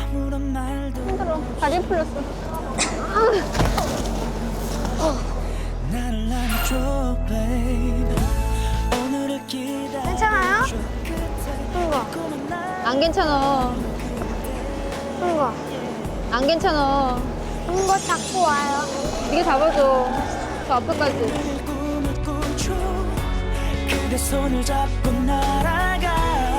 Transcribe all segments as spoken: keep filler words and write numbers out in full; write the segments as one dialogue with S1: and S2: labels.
S1: 힘들어. 다리 풀렸어. 괜찮아요? 흥거.
S2: 안 괜찮아.
S1: 흥거.
S2: 안 괜찮아.
S1: 흥거 잡고 와요.
S2: 네가 잡아줘. 저 앞에까지.
S3: 그대 손을 잡고 날아가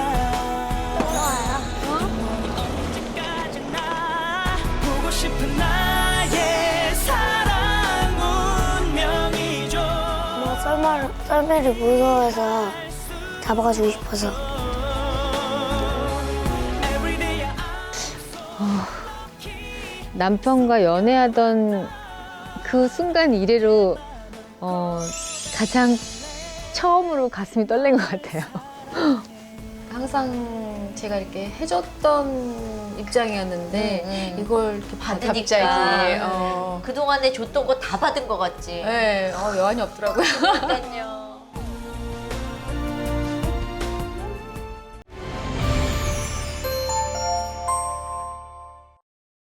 S3: 언제까지나 보고 싶은 나의 사랑 운명이죠.
S1: 뭐 썰매, 썰매를 무서워해서 잡아가지고 싶어서.
S2: 남편과 연애하던 그 순간 이래로 어, 가장 처음으로 가슴이 떨린 것 같아요.
S4: 항상 제가 이렇게 해줬던 입장이었는데
S5: 음, 음.
S4: 이걸 이렇게
S5: 받으니까
S4: 받으니까 어.
S5: 그동안에 줬던 거 다 받은 것 같지.
S4: 네, 어, 여한이 없더라고요.
S5: 그러니까요.